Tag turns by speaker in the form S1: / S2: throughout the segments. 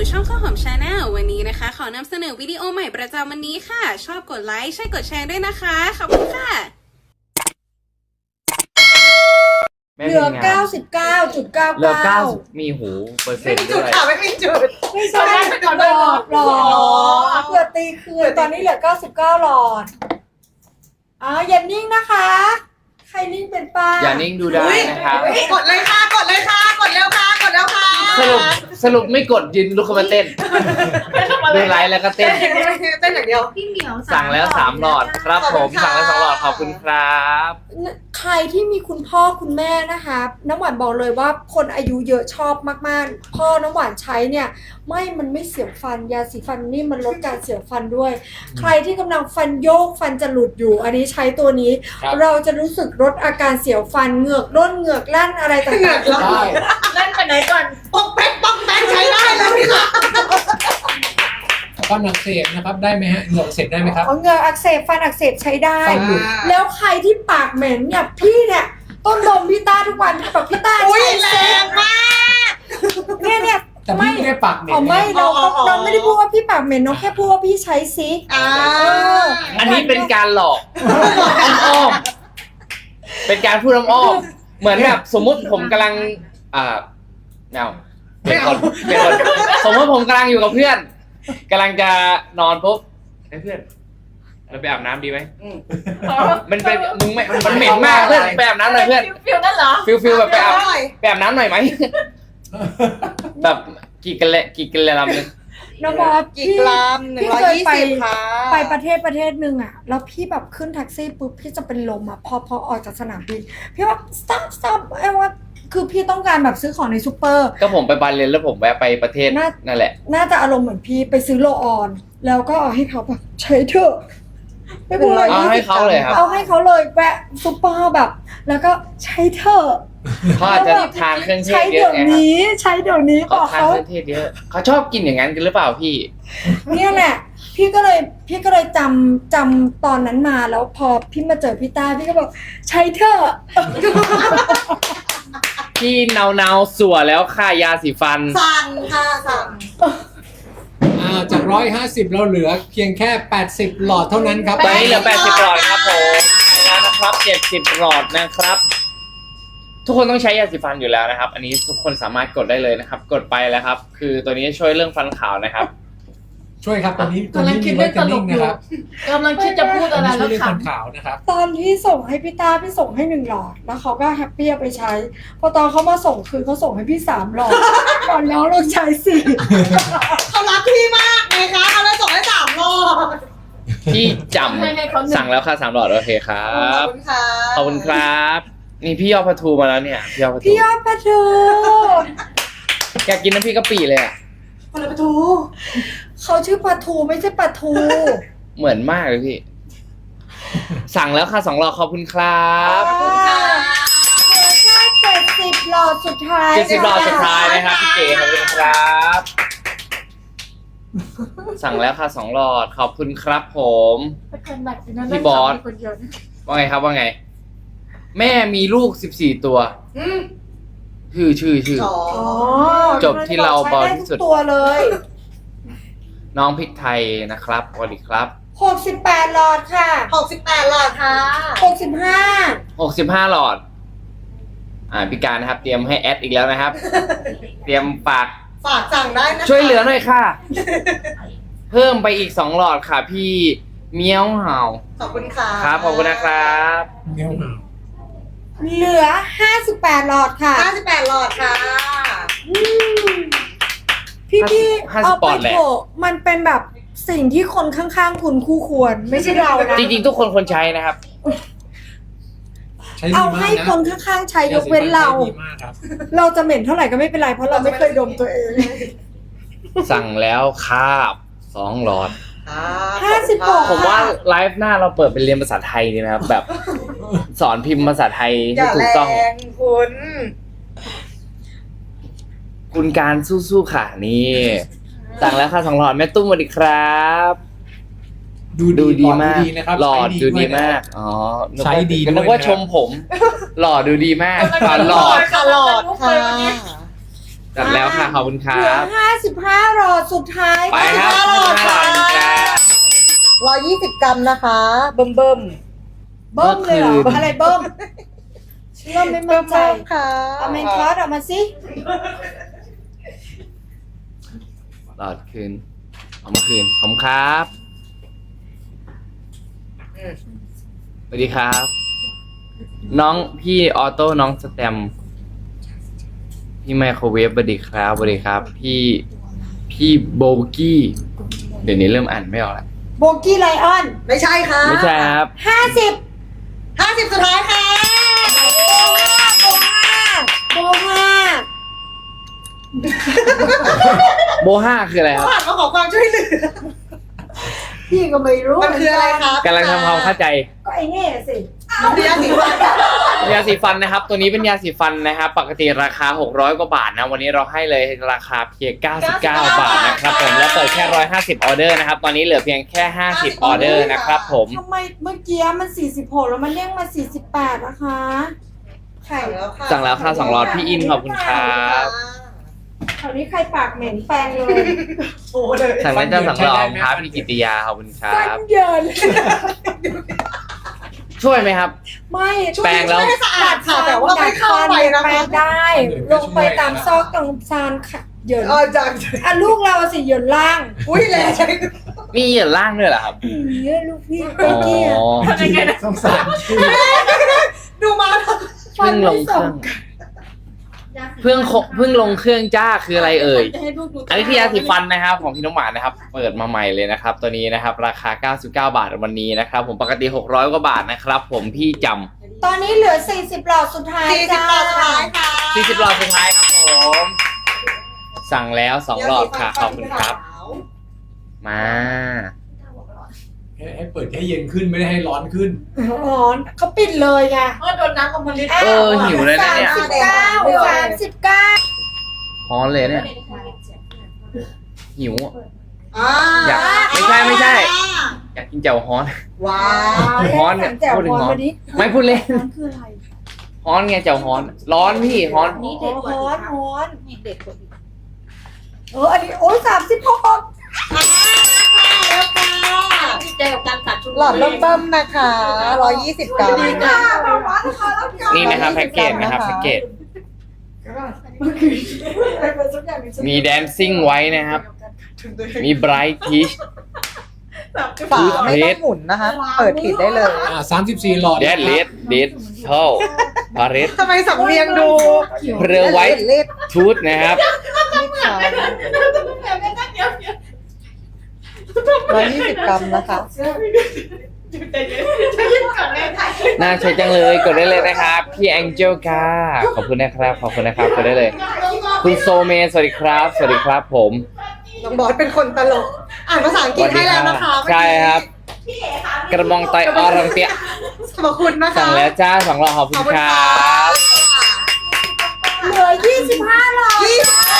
S1: ช่องข้าวหอมชาแนลวันนี้นะคะขอนำเสนอวิดีโอใหม่ประจำวันนี้ค่ะชอบกดไลค์ใช่กดแชร์ด้วยนะคะขอบคุณค่ะ
S2: เหลือ 99.99
S3: เหลือ90มีหูเปอร์เซ็นต์ด้วย
S4: ไม่มีจุด
S2: ไม่ใช่หลอดเผื่อตีคืนตอนนี้เหลือ99หลอดอย่านิ่งนะคะ ใครนิ่งเป็นป้า
S3: อย่านิ่งดูได้นะครับ
S4: กดเลยค่ะกดเลยค่ะกดแล้วค่ะกดแล้วค่ะ
S3: สรุปไม่กดยืนลุกขึ้นมาเต้นดูไลฟ์แล้วก็เต้น
S4: เต้นอย่างเดียว
S5: พี่เหมียว
S3: สั่งแล้ว3หลอดครับผมสั่งแล้ว2หลอดขอบคุณครับ
S2: ใครที่มีคุณพ่อคุณแม่นะคะน้ำหวานบอกเลยว่าคนอายุเยอะชอบมากๆพ่อน้ำหวานใช้เนี่ยมันไม่เสียวฟันยาสีฟันนี่มันลดการเสียวฟันด้วย ใครที่กำลังฟันโยกฟันจะหลุดอยู่อันนี้ใช้ตัวนี้ เราจะรู้สึกลดอาการเสียวฟันเหงือกร่นเหงือกลั่นอะไรต่างๆ
S5: เล่นไปไหนก่อน
S4: ป้องแป๊กใช้ได้เลยค่ะ
S6: ฟันอักเสบนะครับได้ไหมฮะเหงือกอักเสบได้ไหมครับ
S2: เหงือกอักเสบฟันอักเสบใช้ได้
S6: ฟันหลุด
S2: แล้วใครที่ปากเหม็นเนี่ยพี่เนี่ยต้นลมพี่ต้าทุกวันแบบพี่ต้า
S4: อุ้ย
S2: ใช้
S4: แรงมาก
S2: เนี่ย
S6: แต่พี่ไม่ได้ปากเหม็น
S2: อ๋อไม่เราไม่ได้พูดว่าพี่ปากเหม็นน้องแค่พูดว่าพี่ใช้ซิ
S3: อันนี้เป็นการหลอกอ้อมๆเป็นการพูดอ้อมๆเหมือนแบบสมมุติผมกำลังเป็นคนสมมติผมกำลังอยู่กับเพื่อนกำลังจะนอนปุ๊บเพื่อนเราไปอาบน้ำดีไหมมันเป็นมึงไม่มันเหม็นมากเพื่อนไปอาบน้ำหน่อยเพื่อน
S5: ฟิวนั่นเหรอ
S3: ฟิลแบบไปอาบน้ำหน่อยไหมแบบกี่กันเลยลำนึง
S2: น้องบอส
S4: กี่กรัม
S2: พี่เคยไป
S4: 120ค่ะ
S2: ไปประเทศหนึ่งอ่ะแล้วพี่แบบขึ้นแท็กซี่ปุ๊บพี่จะเป็นลมอ่ะพอออกจากสนามบินพี่ว่า stop ไอ้ว่าคือพี่ต้องการแบบซื้อของในซูเปอร์
S3: ก็ผมไปบาเลนแล้วผมแวะไปประเทศนั่นแหละ
S2: น่าจะอารมณ์เหมือนพี่ไปซื้อโลออนแล้วก็เอาให้เขาแบบใช้เถอะไม่พูดอะไร
S3: เอาให้เขาเลยครับ
S2: เอาให้เขาเลยแวะซูเปอร์แบบ แล้วก็ใช้เถอะ
S3: เขาอาจจะทานเครื่องเท
S2: ใช้
S3: ศเย
S2: เดี๋ย
S3: อะ
S2: ว
S3: ไงครับ
S2: นี้ใช้เดี๋ยวนี้บ
S3: เขา
S2: อก
S3: ทาน
S2: เขา
S3: เครื่องเทศเยอะเขาชอบกินอย่างนั้นกันหรือเปล่าพี่
S2: เนี่ยแหละพี่ก็เลยจำตอนนั้นมาแล้วพอพี่มาเจอพี่ต้าพี่ก็บอกใช้เถอะ
S3: พี่เนาสัวแล้วค่ายาสีฟัน
S4: สั่งค่ะสั่ง
S6: จาก150เราเหลือเพียงแค่80หลอดเท่านั้นครับ
S3: ตอนนี้เหลือ80หลอดครับผมแล้วนะครับ70หลอดนะครับ ทุกคนต้องใช้ยาสีฟันอยู่แล้วนะครับ อันนี้ทุกคนสามารถกดได้เลยนะครับ กดไปแล้วครับ คือตัวนี้ช่วยเรื่องฟันขาวนะครับ
S6: ช่วยครับตัวนี้
S5: กำลังคิดเรื่องตลกอยู่
S6: นะครับ
S5: กำลังคิดจะพูด
S6: ตัว
S5: อะไร
S6: นี้ช่
S5: แล้ว วย
S6: วเรื่อง
S5: ข
S6: ฟันขาวนะครับ
S2: ตอนที่ส่งให้พี่ต้าพี่ส่งให้1หลอดแล้วเขาก็แฮปปี้เอาไปใช้พอตอนเขามาส่งคืนเขาส่งให้พี่3หลอดก่อนแล้วเราใช้4
S4: เขารักพี่มากเลยค่ะเขาเลยส่งให้3รอบ
S3: พี่จ
S5: ให้เขาหนึ่
S3: ำสั่งแล้วค่ะ3หลอดโอเคครั
S4: ขอบบ คุณค่ะ
S3: ขอบคุณครับ นี่พี่ยอดปลาทูมาแล้วเนี่ยพี่ยอดปลาทู
S2: พี่ยอดปลาทู
S3: อยากกินน้ำพริกกะปิเลยอ่ะ
S4: คนละประตู
S2: เขาชื่อปลาทูไม่ใช่ปลาทู
S3: เหมือนมากเลยพี่ สั่งแล้วค่ะ2หลอดขอบคุณครับ
S2: เหลือแค่70หลอดสุดท้าย
S3: 70หลอดสุดท้ายนะครับพี่เก๋ขอบคุณครับ สั่งแล้วค่ะ2หลอดขอบคุณครับผม พี่บอส ว่าไงครับว่าไง แม่มีลูก14ตัว ชื่อ
S4: อ๋อ
S2: อ๋อ
S3: จบที่เราเบาที่สุด
S2: ใช้ไทุกตัวเลย
S3: น้องพริกไทยนะครับสวัสดีครับ
S2: 68หลอดค่ะ
S4: 68หลอดค่ะ
S2: 65
S3: 65หลอดพี่การนะครับ เตรียมให้แอดอีกแล้วนะครับ เตรียมฝาก
S4: ฝากสั่งได้นะคะ
S3: ช่วยเหลือหน่อยค่ะ เพิ่มไปอีก2หลอดค่ะพี่เมี้ยวเห่า
S4: ขอบคุณค่ะ
S3: ครับขอบคุณนะครับ
S6: เงี้ยวหนาว
S2: เหลือ58หลอดค่ะ
S4: 58หลอดค่ะ
S2: พี่
S3: 50
S2: เอา
S3: ป
S2: ไป
S3: อนด์แหละ
S2: โถมันเป็นแบบสิ่งที่คนข้างๆคุณคู่ควร ไม่ใช่เรานะ
S3: จริงๆทุกคนควรใช้นะครับ
S6: ใช้ดี
S2: เอา
S6: มาก
S2: ให้
S6: นะ
S2: คนข้างๆใช้ยกเว้นเรา
S6: ใช้ดีมากครับ
S2: เราจะเหม็นเท่าไหร่ก็ไม่เป็นไรเพราะเราไม่เคยดมตัวเอง
S3: สั่งแล้วคาบ2หลอด
S2: 56
S3: ผมว่าไลฟ์หน้าเราเปิดเป็นเรียนภาษาไทยดีนะครับ แบบสอนพิมพ์ภาษาไทย
S4: อย่า
S3: ให้ถู
S4: แร
S3: กต้อง
S4: งคุณ
S3: คุณการสู้ๆค่ะนี่ สั่งแล้วค่ะ2หลอดแม่ตุ้มสวัสดีครับ ดูดีมาก
S6: นะครับ
S3: หลอดดูดี
S6: วยนะ
S3: มากอ๋อ
S6: ใช้ดีด้วย
S3: นึกว่า
S6: นะครับ
S3: ชมผม หลอดดูดีมากหลอด
S4: ค่ะหลอดค่ะ
S3: จัดแล้วค่ะขอบคุณค
S2: เหลื
S3: รั
S2: อบ55หลอดสุดท้าย
S3: ไปครับ
S4: 55
S3: 55หลอดครับ
S4: 120 กรัมนะคะ เบิ่มเบิ่ม
S2: เบิ้มเลยเหรอ
S3: เมื่อคืน
S2: อะไรเบิ้มเชื่อไม่มั่นใจ
S4: ค่ะ
S2: เอาเมนคอร์สออกมาสิ
S3: หลอดคืนเอามาคืนผมครับสวัสดีครับ น้องพี่ออโต้น้องสแตมพี่ไมโครเวฟสวัสดีครับสวัสดีครับ พี่โบกี้เดี๋ยวนี้เริ่มอ่านไม่ออกแล้ว
S2: โบกี้ไลออน
S4: ไม่ใช่ค่ะ
S3: ไม่ใช่ครับ
S2: 50
S4: 50 สุดท้ายค่ะ
S2: โบห้า
S3: โบห้าคืออะไรครับ
S4: ผ่านมาขอความช่วยเหลือ
S2: พี่ก็ไม่รู้
S4: มันคืออะไรครับ
S3: กำลังทำความเข้าใจ
S2: ก็ไอ้นี่สิ
S4: เรียนสีฟัน
S3: ยาสีฟันนะครับ ตัวนี้เป็นยาสีฟันนะครับ ปกติราคา600กว่าบาทนะวันนี้เราให้เลยราคาเพียง99 บาทนะครับผมแล้วเปิดแค่150ออเดอร์นะครับตอนนี้เหลือเพียงแค่50ออเดอร์นะครับผม
S2: ทำไมเมื่อกี้มัน46แล้วมันเรียกมา48นะคะไข่
S3: สั่งแล้วค่ะ2หลอดพี่อินขอบคุณครับ
S2: คราวนี้ใครปากเหม็นแปลงเลย
S4: โอ้เลย
S3: สั่งได้จ้าสั่งหลอดครับพี่กิติยาขอบคุณครั
S2: ฟั
S3: บ
S2: นเยิน
S3: ช่วยไหมครับ
S2: ไม่
S3: แปรงแล้ว
S4: ไม่สะอาดค่ะแต่ว่าไม่เข้าไปนะ
S2: แปล
S4: คะ
S2: งได้ ลงไปตามซอกตรงซานค่ะเหยิน
S4: จัง
S2: อ่ะลูกเราสิเหยินล่าง
S4: อุ้ยแรง
S3: มีเหยื่อล่างด้วยเหรอครับ
S2: เนี่ยลูกพี่
S3: อ๋
S2: เมื่อกี้อะ
S3: อ
S6: สงสารชื่อ
S4: ดูมา
S3: เพิ่งลงเครื่องเพิ่งลงเครื่องจ้าคืออะไรเอ่ย
S1: จะให้ลูกดู
S3: อันนี้คือยาสีฟันนะครับของพี่น้องหมานะครับ เปิดมาใหม่เลยนะครับ ตัวนี้นะครับ ราคา99 บาทวันนี้นะครับ ผมปกติ600กว่าบาทนะครับ ผมพี่จ
S2: ตอนนี้เหลือ40หลอดสุดท้าย
S4: 40
S2: จ้า
S4: หลอดสุดท้ายค่ะ
S3: ำ40หลอดสุดท้ายครับผม สั่งแล้ว2หลอดค่ะขอบคุณครับ มา
S6: ให้เปิดให้เย็นขึ้นไม่ได้ให้ร้อนขึ้น
S2: อ๋อเขาปิดเลยไง
S5: โดนน้ำกับผลิต
S3: เออหิวเลยนะเนี่ย
S2: 39
S3: ฮ้อนเลยเนี่ยหิวอะ
S4: อ่า
S3: อยากไม่ใช่ อยากกินแจ่วฮ้อน
S4: ว้า
S3: ฮ้อนเนี่ย
S2: แจ่ว
S3: พูดถึง
S2: ฮ้อน
S3: ฮ้อน
S2: มาดิ
S3: ไม่พูดเล่น
S2: ฮ้อนคืออะไร
S3: ฮ้อนไงแจ่วฮ้อน ร้อนพี่ฮ้อน
S2: นี่เด็กฮ้อนฮ้อนเด็กกว่าอีกอันนี้โอ้ย36
S5: ใจกับการขาดทุน
S4: หลอดเบิ่มๆนะคะ120 กรัม
S3: นี่นะครับแพ็กเกจนะครับแพ็กเกจมีแดนซิ่งไว้นะครับ มีไบรท์พีช
S4: ฝาไม่ต้องหมุนนะคะ เปิดปิดได้เลย
S6: 34หลอด
S3: เดดเลดเดดเท่าพาเรส
S4: ทำไมสำเนียงดู
S3: เพลไวท์
S4: เล็ด
S3: ทูธนะครับ
S4: นี่ค่ะ120 กรัมนะคะ
S3: น่าใช้จังเลยกดได้เลยนะครับพี่แองเจลค่ะขอบคุณนะครับขอบคุณนะครับกดได้เลย คุณโซเมสวัสดีครับ สวัสดีครับผม
S4: น้องบอสเป็นคนตลก อ่านภาษาอังกฤษให้แล้วนะคะ
S3: ใช่ครับ กระบองไตออรังเตีย
S4: ขอบคุณนะคะ
S3: สั่งแล้วจ้า2หลอดขอบคุณครับ
S2: เหลือ25หลอด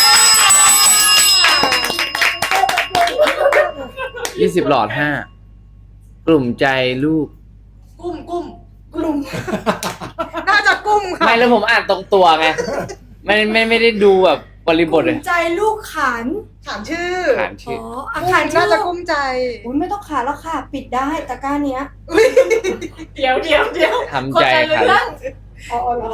S3: 20หลอด5กลุ่มใจลูก
S4: กุ้มน่าจะกุ้มค่ะ
S3: ไม่แล้วผมอ่านตรงตัวไงไม่ได้ดูแบบบริบทเลย
S2: ใจลูกขัน
S4: ถามชื่อ
S3: ขานชื่อ
S2: อาคาร
S4: น่าจะกุ้มใจ
S2: อุ้ยไม่ต้องขาแล้วค่ะ ปิดได้ตะกร้าเนี้ย
S5: เดี๋ยว
S3: ทำใจครับ
S2: อ๋อเหรอ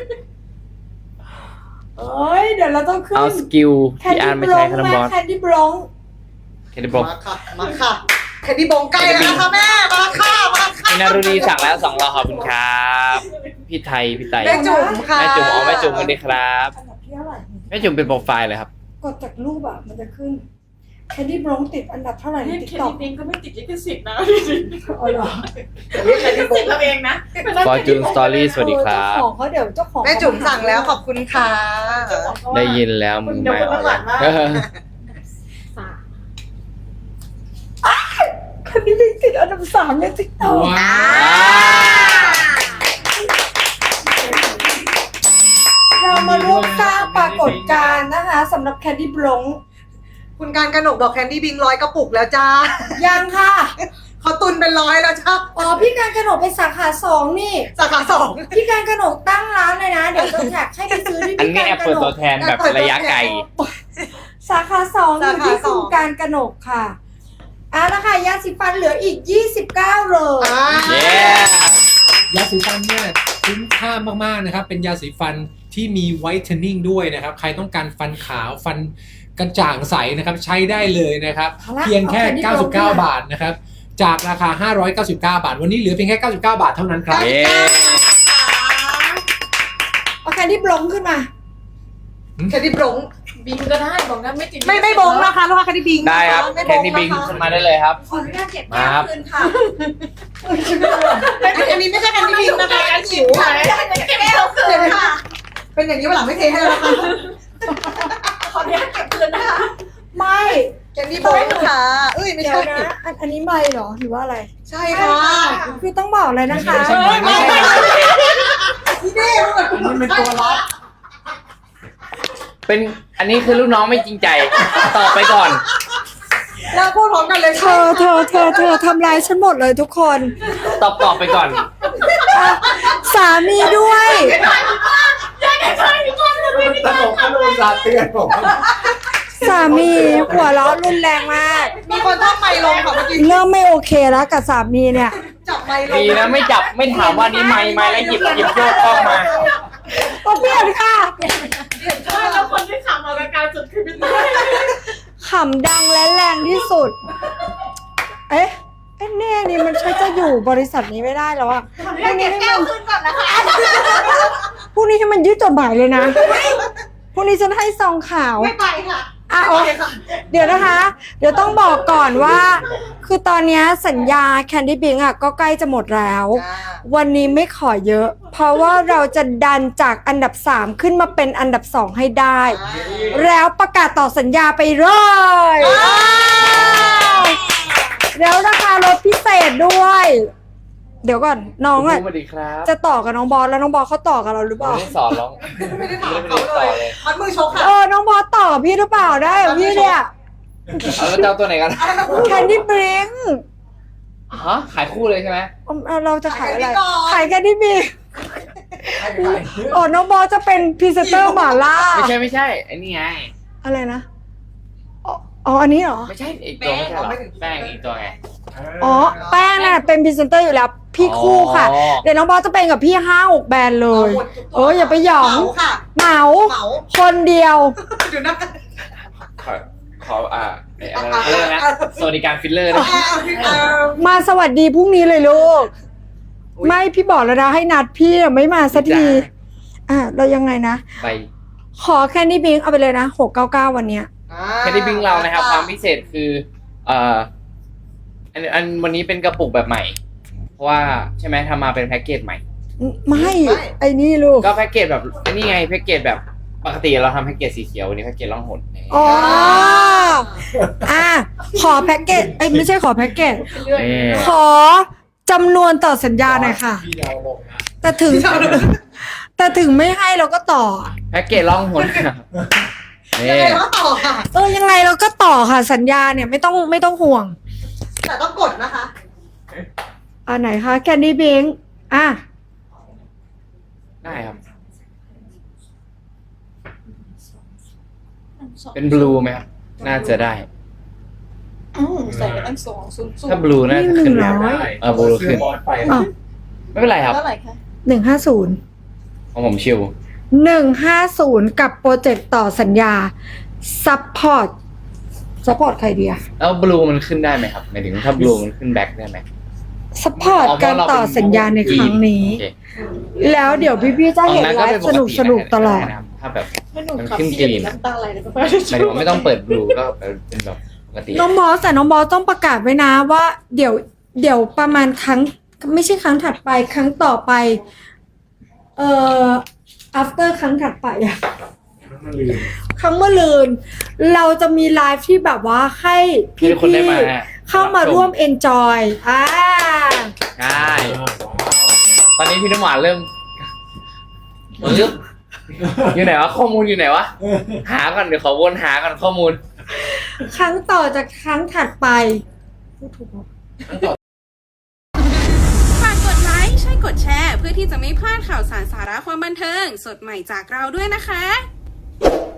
S2: เอ้ยเดี๋ยวเราต้องขึ้น
S3: เอาสกิลพี่อาร์ตไม่ใช้คาร์บอน
S2: แคนดี้บล็อง
S3: แคนดี้บล็อก
S4: มาค่ะ มาค่ะแคนดี้บงใกล้แล้วนะคะแม่ มาค่ะ มาค่ะ
S3: พี่นารุณีสั่งแล้ว2หลอดขอบคุณครับพี่ไทยพี่ไต
S4: แม่จุ๋มค่ะ
S3: แม่จุ๋มอ๋อแม่จุ๋มสวัสดีครับ
S2: อันดับที่เท่าไหร่
S3: แม่จุ๋มเป็นโปรไฟล์เลยครับ
S2: กดจากรูปอ่ะมันจะขึ้นแคนดี้บล็องติดอันดับเท่าไหร่ใน
S5: นี่
S2: ติ๊ก
S5: เค
S2: ต็อก
S5: ดิตก็ไม่ติดลิขสิทธิ์นะ
S2: อ๋อเหรอ
S5: ลิขสิทธิ์เราเองนะ
S3: Fortune Story สวัสดีครับ
S2: เจ้าของเขาเดี๋ยวเจ้าของ
S4: แม่จุ๋มสั่งแล้วขอบคุณค่ะ
S3: ได้ยินแล้วมึงไม่เอาละ
S2: แคนดี้บล็องติดอันดับ3ในติ๊กต็อก
S6: ว้าว
S2: เรามาร่วมสร้างปรากฏการณ์นะคะสำหรับแคนดี้บล็อง
S4: คุณการกนกบอกแคนดี้บิง100 กระปุกแล้วจ้า
S2: ยังค่ะ
S4: เขาตุนเป็น100แล้วจ้า
S2: อ๋อพี่การกนกเป็นสาขา2นี่
S4: สาขา2
S2: พี่การกนกตั้งร้านเลยนะ เดี๋ยวจะแท็กให้ไปซื้อที่
S3: อันนี้แอปเปิดตัวแทนแบบระยะไกล
S2: สาขา2อยู่ที่ศูนย์การกนกค่ะนะคะยาสีฟันเหลืออีก29เลย
S3: เย้
S6: ยาสีฟันเนี่ยคุ้มค่ามากๆนะครับเป็นยาสีฟันที่มีไวท์เทนนิ่งด้วยนะครับใครต้องการฟันขาวฟันกระจ่างใสนะครับใช้ได้เลยนะครับเพียงแค่99 บาทนะครับจากราคา599 บาทวันนี้เหลือเพียงแค่99 บาทเท่านั้นครับ
S3: เย้
S2: เอาแคนดี้บลงขึ้นมา
S4: แค่ที่บง
S5: บิงก็ได้บอกนะไม่ติด
S4: ไม่บงนะคะลูกค้าแค่ที่บิง
S3: ได้ครับแคนดี้บิงขึ้นมาได้เลยครับ
S2: ขออนุญาตเก็บ
S3: มา
S2: แก้
S3: ครั
S2: ม
S3: บ
S2: คืนค่ะ
S4: อันนี้ไม่ใช่แค่ที่บิงนะคะอันจิ๋ว
S5: แก้วคืนค่ะ
S4: เป็นอย่างนี้วันหลังไม่เทให้แล้วนะคะ
S5: ขออนุญาตเก็บคืนนะคะ
S2: ไม่
S4: แค่ที่บงค่ะเอ้ยไม่
S2: เดี๋ย
S4: ใช่
S2: วนะอันนี้ไม่เหรอหรือว่าอะไร
S4: ใช่ค่ะ
S2: คือต้องบอกเลยนะคะ
S6: ไม่ใช่ไม่ใช่
S4: ที่นี่มัน
S6: มันเป็นตัวล็อก
S3: เป็นอันนี้คือลูกน้องไม่จริงใจตอบไปก่อน
S4: เราพูดพร้อมกันเลย
S2: เธอทำลายฉันหมดเลยทุกคน
S3: ตอบไปก่อน
S2: สามีด้วย
S6: ตลกขนมลาเตือนผม
S2: สามีหัวเราะรุนแรงมาก
S4: มีคนทักไมค์ลงค่ะเมื่อกี้
S2: เริ่มไม่โอเคแล้วกับสามีเนี่ย
S4: จับไมค์ลง
S3: ดีนะไม่จับไม่ถามว่านี่ไม่แล้วหยิบโยกกล้องมา
S2: ก็เปลี่ยนค่ะ
S5: ใช่แล้วคนที่ขำเอารายการสุดคือพี่ต้ย
S2: ขำดังและแรงที่สุด เอ๊ะแน่นี่มันใช่จะอยู่บริษัทนี้ไม่ได้แล้วอะพรุ่งนี้ให้มัน
S5: คืนก่อนนะคะ
S2: พรุ่งนี้ให้มันยืดจดหมายเลยนะพรุ่งนี้ฉันให้ซองข่าว
S4: ไม่ไปค่ะ
S2: โอเคเดี๋ยวนะคะ เดี๋ยวต้องบอกก่อนว่า คือตอนนี้สัญญาแคนดี้บิงอ่ะก็ใกล้จะหมดแล้ว วันนี้ไม่ขอเยอะ เพราะว่าเราจะดันจากอันดับ 3 ขึ้นมาเป็นอันดับ 2 ให้ได้ แล้วประกาศต่อสัญญาไปเลยแล้วราคาลดพิเศษด้วย เดี๋ยวก่อนน้องอ่ะ
S3: สวัสดีครับ
S2: จะต่อกับน้องบอสแล้วน้องบอสเขาต่อกับเราหรือเป
S3: ไม่
S2: ล่า
S3: ได้สอนร้อง
S4: ไม่ได้ถาม
S3: ไม่
S4: เขา
S3: ได้
S4: เล
S3: ต่อย เลย
S4: มัดมือชกค่ะ
S2: น้องบอสต่อกับพี่หรือเปล่าได้เหรอพี่เนี่ย
S3: เอาแล้วเจ้าตัวไหนกัน
S2: แคนดี้บริง
S3: ฮะขายคู่เลยใช่ไหม
S2: เราจะขายอะไร ขายแคนดี้บริง น้องบอสจะเป็นพรีเซนเตอร์หม่าล่า
S3: ไม่ใช่ไอ้นี่ไง
S2: อะไรนะ อันนี้เหรอ
S3: ไม่ใช่อีกตัวไม่ใช่หรอแป้งอีกตัวไง
S2: แป้งน่ะเป็นพรีเซนเตอร์อยู่แล้ว พี่คู่ค่ะ
S3: อ๋อ
S2: เดี๋ยวน้องบอสจะเป็นกับพี่5-6 แบรนด์เลย อย่าไปหยอง
S4: เหมาค่ะ
S2: เหมา
S4: เหมา
S2: คนเดียว
S4: ดูนะ
S3: ขออะไรนะสวัสดิการฟิลเลอร์นะ
S2: มาสวัสดีพรุ่งนี้เลยลูก ไม่พี่บอกแล้วนะให้นัดพี่ไม่มาสักที เรายังไงนะ
S3: ไป
S2: ขอแคนดี้บิงเอาไปเลยนะ699วันเนี้ย
S3: แค่ที่บิงเรานะครับความพิเศษคืออันวันนี้เป็นกระปุกแบบใหม่ เพราะว่าใช่ไหมทำมาเป็นแพ็กเกจใหม่
S2: ไม่ไอ้นี่ลูก
S3: ก็แพ็กเกจแบบนี่ไงแพ็กเกจแบบปกติเราทำแพ็กเกจสีเขียววันนี้แพ็กเกจล่องหน
S2: ขอแพ็กเกจไม่ใช่ขอแพ็กเกจ
S3: นี่
S2: ขอจำนวนต่อสัญญาหน่อยค่ะ
S6: พี่เดาลงนะ
S2: แต่ถึงไม่ให้เราก็ต่อ
S3: แพ็กเกจล่องหนนี่
S4: ยังไงก็ต่อค่ะ
S2: ยังไงเราก็ต่อค่ะสัญญาเนี่ยไม่ต้องห่วง
S4: แต่ต้องกดนะคะ
S2: อันไหนคะแคนดี้บิง
S3: ได้ครับ เป็นบลูไหมครับน่าจะได้
S5: ใส่ไปตั้ง200
S3: ถ้าบลูน่าจะขึ้นแล้วบลูขึ้น
S6: บอสไป
S2: อ้าว
S3: ไม่เป็นไรครับ
S5: เท่าไหร่คะ
S2: 150
S3: ของผมชิว
S2: 150กับโปรเจกต์ต่อสัญญาซัพพอร์ตใครดีอะ
S3: แล้วบลูมันขึ้นได้ไหมครับหมายถึงถ้าบลูมันขึ้นแบ็คได้ไหม
S2: ซัพพอร์ตการต่อสัญญาในครั้งนี้
S3: โอเค
S2: แล้วเดี๋ยวพี่ๆจะเห็นไลฟ์สนุกตลอด
S3: นะครับถ้าแบบ
S5: ให้หนู
S3: มัน
S5: ขับ
S3: ขึ้น
S5: พี่
S3: กรีน
S5: น้ำตาไหลเลยก็
S3: หมายถึงว่าไม่ต้องเปิดบลูก็เป็นแบบปกติ
S2: น้องบอสต้องประกาศไว้นะว่า เดี๋ยวประมาณครั้งไม่ใช่ครั้งถัดไปครั้งต่อไปafter ครั้งถัดไปอะครั้งเมื่อลืน เราจะมีไลฟ์ที่แบบว่าให้พี่
S3: ให้คนได้มา
S2: เข้ามาร่วม enjoy
S3: ใช่ตอนนี้พี่น้ำหวานเริ่มอยู่ไหนวะข้อมูลอยู่ไหนวะหาก่อนเดี๋ยวขอวนหาก่อนข้อมูล
S2: ครั้งต่อจากครั้งถัดไปพูดถูกปะ
S1: ฝากกดไลค์ใช่กดแชร์เพื่อที่จะไม่พลาดข่าวสารสาระความบันเทิงสดใหม่จากเราด้วยนะคะ